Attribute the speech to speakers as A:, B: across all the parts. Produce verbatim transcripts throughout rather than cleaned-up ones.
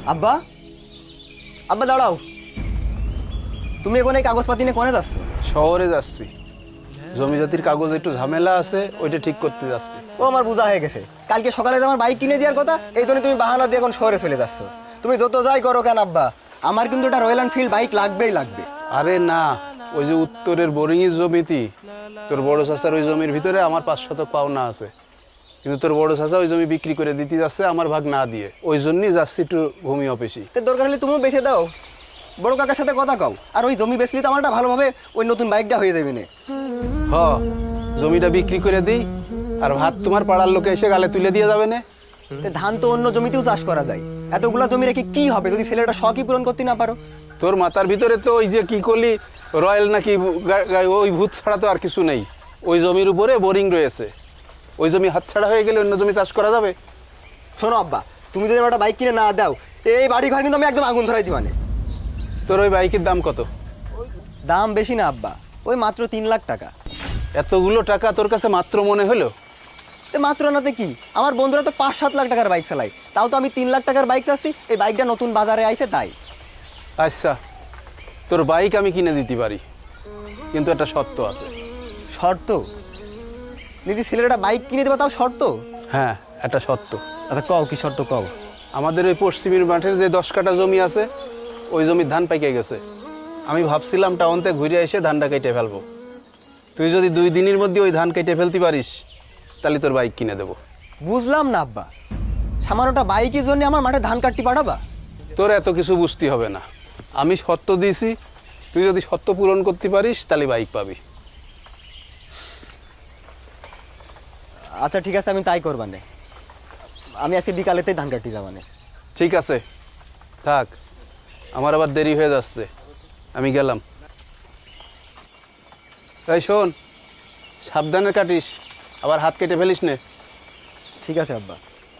A: আব্বা আব্বা দাঁড়াও, তুমি এখন এই কাগজপাতি নিয়ে কোনে যাচ্ছ?
B: শহরে যাচ্ছি, জমি জাতির কাগজ একটু ঝামেলা আছে, ওইটা ঠিক করতে যাচ্ছি।
A: ও আমার বোঝা হয়ে গেছে, কালকে সকালে যে আমার বাইক কিনে দেওয়ার কথা, এই জন্য তুমি বাহানা দিয়ে এখন শহরে চলে যাচ্ছ। তুমি যত যাই করো কেন আব্বা, আমার কিন্তু একটা রয়্যাল এনফিল্ড বাইক লাগবেই লাগবে।
B: আরে না, ওই যে উত্তরের বোরিংয়ের জমিতে তোর বড় চাচার ওই জমির ভিতরে আমার পাঁচ শতক পাওনা আছে, কিন্তু তোর বড় চাচা ওই জমি বিক্রি করে দিতে যাচ্ছে আমার ভাগ না দিয়ে, ওই জন্যই যাচ্ছি একটু ভূমি অফিসে।
A: তো দরকার হলে তুমিও বেঁচে দাও, বড় কাকার সাথে কথা কও, আর ওই জমি বেচলি তো আমারটা ভালোভাবে ওই নতুন বাইকটা হয়ে যাবে না।
B: হ, জমিটা বিক্রি করে দিই, আর ভাত তোমার পাড়ার লোকে এসে গালে তুলে দিয়ে যাবে না।
A: ধান তো অন্য জমিতেও চাষ করা যায়, এতগুলা জমি রেখে কি হবে যদি ছেলেটা শখই পূরণ করতে না পারো?
B: তোর মাথার ভিতরে তো ওই যে কি করলি রয়্যাল নাকি গা- গা- ওই ভূত ছাড়া তো আর কিছু নেই। ওই জমির উপরে বোরিং রয়েছে, ওই জমি হাতছাড়া হয়ে গেলে অন্য জমি চাষ করা যাবে।
A: শোনো আব্বা, তুমি যদি একটা বাইক কিনে না দাও, এই বাড়ি ঘর কিন্তু আমি একদম আগুন ধরাই দিবানে।
B: তোর ওই বাইকের দাম কত?
A: দাম বেশি না আব্বা, ওই মাত্র তিন লাখ টাকা।
B: এতগুলো টাকা তোর কাছে মাত্র মনে হলো?
A: তো মাত্র নাতে কি, আমার বন্ধুরা তো পাঁচ সাত লাখ টাকার বাইক চালায়, তাও তো আমি তিন লাখ টাকার বাইক চাচ্ছি, এই বাইকটা নতুন বাজারে আইছে তাই।
B: আচ্ছা, তোর বাইক আমি কিনে দিতে পারি, কিন্তু একটা শর্ত আছে।
A: শর্ত? দিদি ছেলেটা বাইক কিনে দেবা তাও শর্ত?
B: হ্যাঁ, একটা শর্ত।
A: আচ্ছা কও, কি শর্ত কও?
B: আমাদের ওই পশ্চিমের মাঠের যে দশ কাঠা জমি আছে, ওই জমির ধান পাইকে গেছে। আমি ভাবছিলাম টাউন থেকে ঘুরে এসে ধানটা কেটে ফেলবো। তুই যদি দুই দিনের মধ্যে ওই ধান কেটে ফেলতে পারিস, তাহলে তোর বাইক কিনে দেবো।
A: বুঝলাম না আব্বা, সামান্যটা বাইকের জন্য আমার মাঠে ধান কাটতে পাঠাবা?
B: তোর এত কিছু বুঝতে হবে না, আমি শর্ত দিয়েছি, তুই যদি শর্ত পূরণ করতে পারিস তাহলে বাইক পাবি।
A: আচ্ছা ঠিক আছে, আমি তাই করবানে, আমি আজকে বিকালেতেই ধান কাটতে যাবানে।
B: ঠিক আছে, থাক, আমার আবার দেরি হয়ে যাচ্ছে, আমি গেলাম। এই শোন, সাবধানে কাটিস, আবার হাত কেটে ফেলিস নে।
A: ঠিক আছে আব্বা।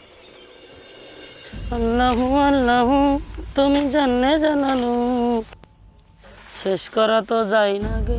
C: আল্লাহু আল্লাহু তুমি জানে জানালো, শেষ করা তো যাই না গে।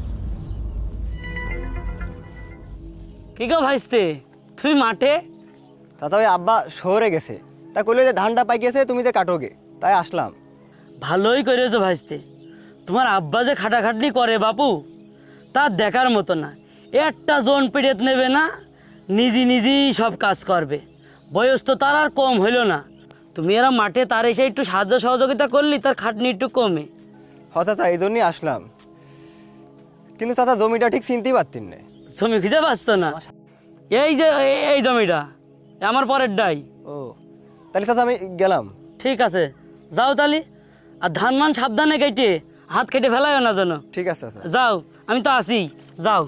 C: কি গো ভাইস্তে, তুই মাঠে?
A: তাতে ওই আব্বা শহরে গেছে, তা কইলে যে ধানটা পাই গেছে, তুমি যে কাটোগে, তাই আসলাম।
C: ভালোই করেছো ভাইস্তে, তোমার আব্বা যে খাটাখাটনি করে বাপু, তা দেখার মতো না। একটা জন পেড়েত নেবে না, নিজে নিজেই সব কাজ করবে। বয়স তো তার আর কম হইল না, তুমি এরা মাঠে তার এসে একটু সাহায্য সহযোগিতা করলি, তার খাটনি একটু কমে।
A: হ চাচা, এই জন্যই আসলাম, কিন্তু চাচা জমিটা ঠিক চিনতেই পারতেন না।
C: জমি খুঁজে পাচ্ছ না? এই যে এই- এই জমিটা আমার পরের ডাই।
A: ও তাহলে চাচা আমি গেলাম।
C: ঠিক আছে, যাও তালি, আর ধান মান সাবধানে কেটে হাত কেটে ফেলাইও না যেন।
A: ঠিক আছে চাচা।
C: যাও, আমি তো আছি, যাও।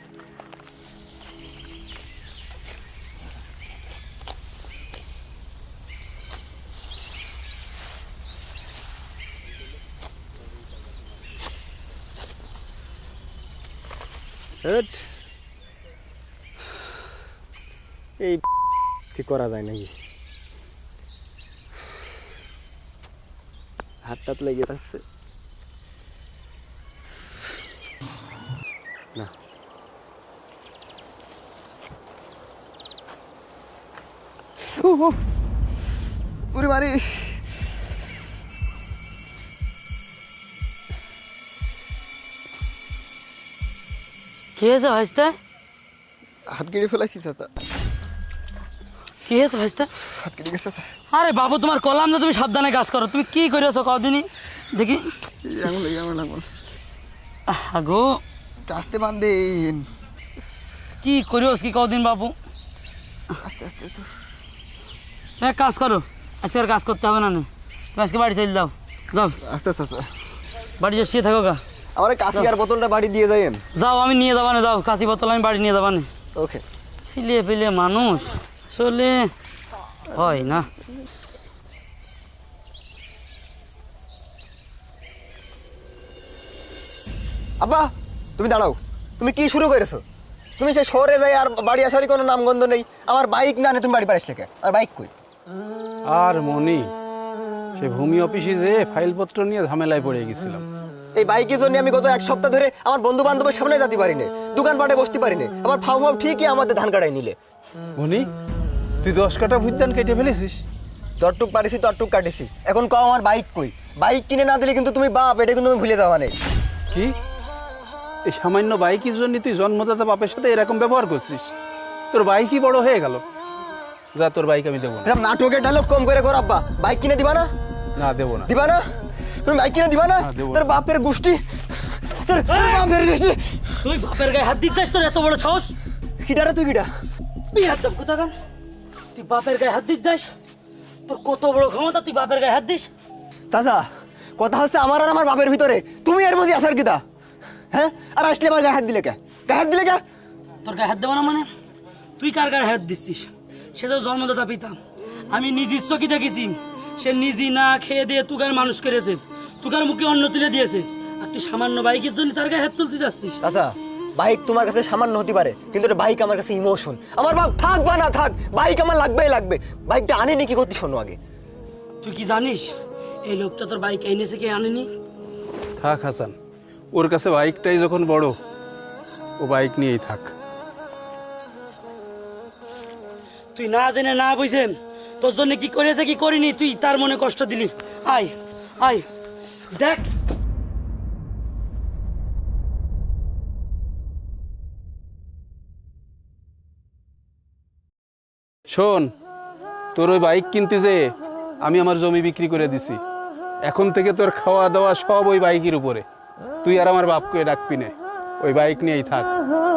A: হেট, এই কি করা যায় নাকি, হাত টাত লেগে যাচ্ছে না। উহ, উহ, পুরি মারি।
C: কি হয়েছে ভাইস্তে?
A: হাত কেটে ফেলাইছি চাচা,
C: কি হয়েছে ভাইস্তে?
A: হাত কেটে গেছে চাচা।
C: আরে বাবু, তোমার কলাম না, তুমি সাবধানে কাজ করো। তুমি কি করেছো কদিনই দেখি?
A: এই আঙুল এই আঙুল আঙুল
C: আগো
A: আস্তে বান্ধেন,
C: কি করিস কি কদিন বাবু?
A: আস্তে আস্তে তো।
C: এক কাজ করো, আজকে আর কাজ করতে হবে না, নে। তুমি আজকে বাড়ি চলে যাও, যাও
A: আস্তে চাচা,
C: বাড়ি যে শুয়ে থাকো গা।
A: আমার কাশি আর বোতলটা বাড়ি দিয়ে যাইয়েন।
C: যাও, আমি নিয়ে যাবা না, যাও, কাঁচি বোতল আমি বাড়ি নিয়ে যাবা না।
A: ওকে।
C: ছিলে পেলে মানুষ আসলে হয় না।
A: আব্বা তুমি দাঁড়াও, তুমি কি শুরু করেছো? তুমি সেই শহরে যাই আর বাড়ি আসারই কোনো নামগন্ধ নেই। আমার বাইক না নে, তুমি বাড়ি পারিস লেখা, আর বাইক কই?
B: আর মনি, সে ভূমি অফিসে যে ফাইলপত্র নিয়ে ঝামেলায় পড়ে গেছিলাম।
A: এই বাইকের জন্য আমি গত এক সপ্তাহ ধরে আমার বন্ধু বান্ধবের সামনে যেতে পারি না, দোকানপাটে বসতে পারি না। আমার ফাউ ফাউ ঠিকই আমাদের ধান কাটাই নিলে।
B: মনি, তুই দশ কাঠা ভূত ধান কেটে ফেলেছিস?
A: যতটুক পারিছি ততটুক কাটিছি, এখন কও আমার বাইক কই? বাইক কিনে না দিলে কিন্তু তুমি বাপ, এটা কিন্তু তুমি ভুলে যাওয়া নেই।
B: কি এই সামান্য বাইকের জন্য তুই জন্মদাতা বাপের সাথে এরকম ব্যবহার করছিস? তোর বাইকই বড় হয়ে গেল। যা, তোর বাইক আমি দেবো না।
A: এসব নাটকের ডায়লগ কম করে কর আব্বা। বাইক কিনে দিবা না?
B: না, দেবো না।
A: দিবা না? তুমি বাইক কিনে দিবা না?
B: না, দেবো না।
A: তোর বাপের গোষ্ঠী, তোর বাপের গোষ্ঠী।
C: তুই বাপের গায়ে হাত দিচ্ছিস? তোর এত বড় সাহস?
A: কিডারে তুই কিডা?
C: তুই হাত দাম কোথাকার? তুই বাপের গায়ে হাত দিচ্ছিস? তোর কত বড় ক্ষমতা, তুই বাপের গায়ে হাত দিস?
A: চাচা, কথা হচ্ছে আমার আর আমার বাপের ভিতরে, তুমি এর মধ্যে আসার কিতা? হ্যাঁ, আর আসলে আমার গায়ে হাত দিলে কে? গায়ে হাত দিলে কে?
C: তোর গায়ে হাত দেবো না মানে? তুই কার গায়ে হাত দিচ্ছিস? সে তো জন্মদাতা পিতা। আমি নিজের চোখে দেখেছি, সে নিজে না খেয়ে দিয়ে তুগার মানুষ করেছে, তুগার মুখে অন্ন তুলে দিয়েছে, আর তুই সামান্য বাইকের জন্য তার গায়ে হাত তুলতে যাচ্ছিস।
A: চাচা, বাইক তোমার কাছে সামান্য হতে পারে, কিন্তু এটা বাইক আমার কাছে ইমোশন। আমার বাপ থাক বা না থাক, বাইক আমার লাগবেই লাগবে। বাইকটা আনিনি কি করতে, শোনো আগে।
C: তুই কি জানিস এই লোকটা তোর বাইক এনেছে কে আনেনি?
B: থাক হাসান, ওর কাছে বাইকটাই যখন বড়, ও বাইক নিয়েই থাক।
C: তুই না জেনে না বুঝে তোর জন্য কি করেছে কি করিনি তুই তার মনে কষ্ট দিলি। আয় আয় দেখ।
B: শোন, তোর ওই বাইক কিনতে যে আমি আমার জমি বিক্রি করে দিছি। এখন থেকে তোর খাওয়া দাওয়া সব ওই বাইকের উপরে। তুই আর আমার বাপকে ডাকবি না, ওই বাইক নিয়েই থাক।